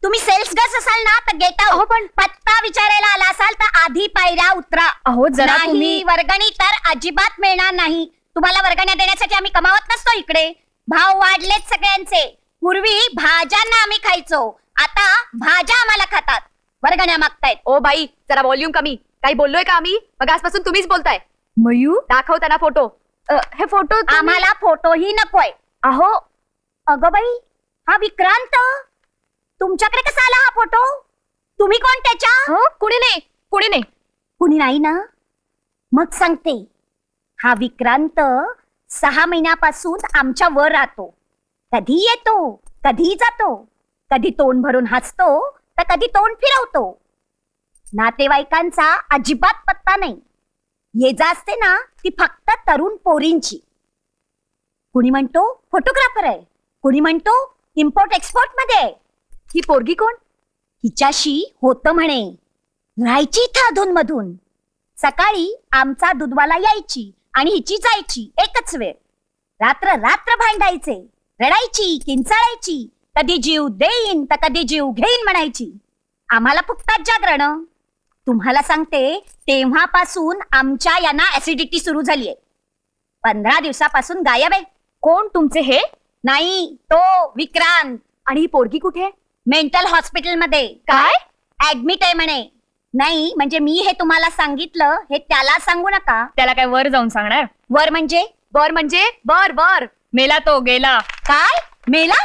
तुम्ही cells girls असाल ना तर गेट अहो, आउट. पण- पत्ता विचारायला आला असाल तर आधी पायऱ्या उतरा. अहो जरा नाही, तुम्ही वर्गणी तर अजिबात मिळणार नाही. तुम्हाला वर्गण्या देण्यासाठी आम्ही कमावत नसतो इकडे. भाव वाढलेत सगळ्यांचे. पूर्वी भाज्यांना आम्ही खायचो, आता भाज्या आम्हाला खातात. वर्गण्या मागतायत. ओ बाई जरा व्हॉल्यूम कमी. काही बोललोय का आम्ही? मग आजपासून तुम्हीच बोलताय. मयू दाखव त्यांना फोटो. हे फोटो आम्हाला फोटोही नकोय. अहो अगं बाई, हा विक्रांत तुमच्याकडे कसा आला हा फोटो? तुम्ही कोण त्याच्या? कुणी नाही कुणी नाही. कुणी नाही ना? मग सांगते. हा विक्रांत 6 महिन्यापासून आमच्या वर राहतो. कधी येतो, कधी जातो, कधी तोंड भरून हसतो तर कधी तोंड फिरवतो. नातेवाईकांचा अजिबात पत्ता नाही. ये जा असते ना ती फक्त तरुण पोरींची. कुणी म्हणतो फोटोग्राफर आहे, कुणी म्हणतो इम्पोर्ट एक्सपोर्ट मध्ये आहे. ही पोरगी कोण? हिच्याशी होतं म्हणे, राहायची इथं अधून मधून. सकाळी आमचा दूधवाला यायची आणि हिची जायची एकच वेळ. रात्र रात्र भांडायचे, रडायची, किंचाळायची, कधी जीव देईन तर कधी जीव घेईन म्हणायची. आम्हाला फुकतात जागरण. तुम्हाला सांगते, तेव्हापासून आमच्या यांना ऍसिडिटी सुरू झालीये. 15 दिवसापासून गायब आहे. कोण तुमचे हे? नाही, तो विक्रांत आणि ही पोरगी कुठे? मेंटल हॉस्पिटल मध्ये काय? ऍडमिट आहे म्हणे. नाही म्हणजे मी हे तुम्हाला सांगितलं हे त्याला सांगू नका. त्याला काय वर जाऊन सांगणार? वर म्हणजे बर म्हणजे बर बर. मेला तो गेला. काय? मेला?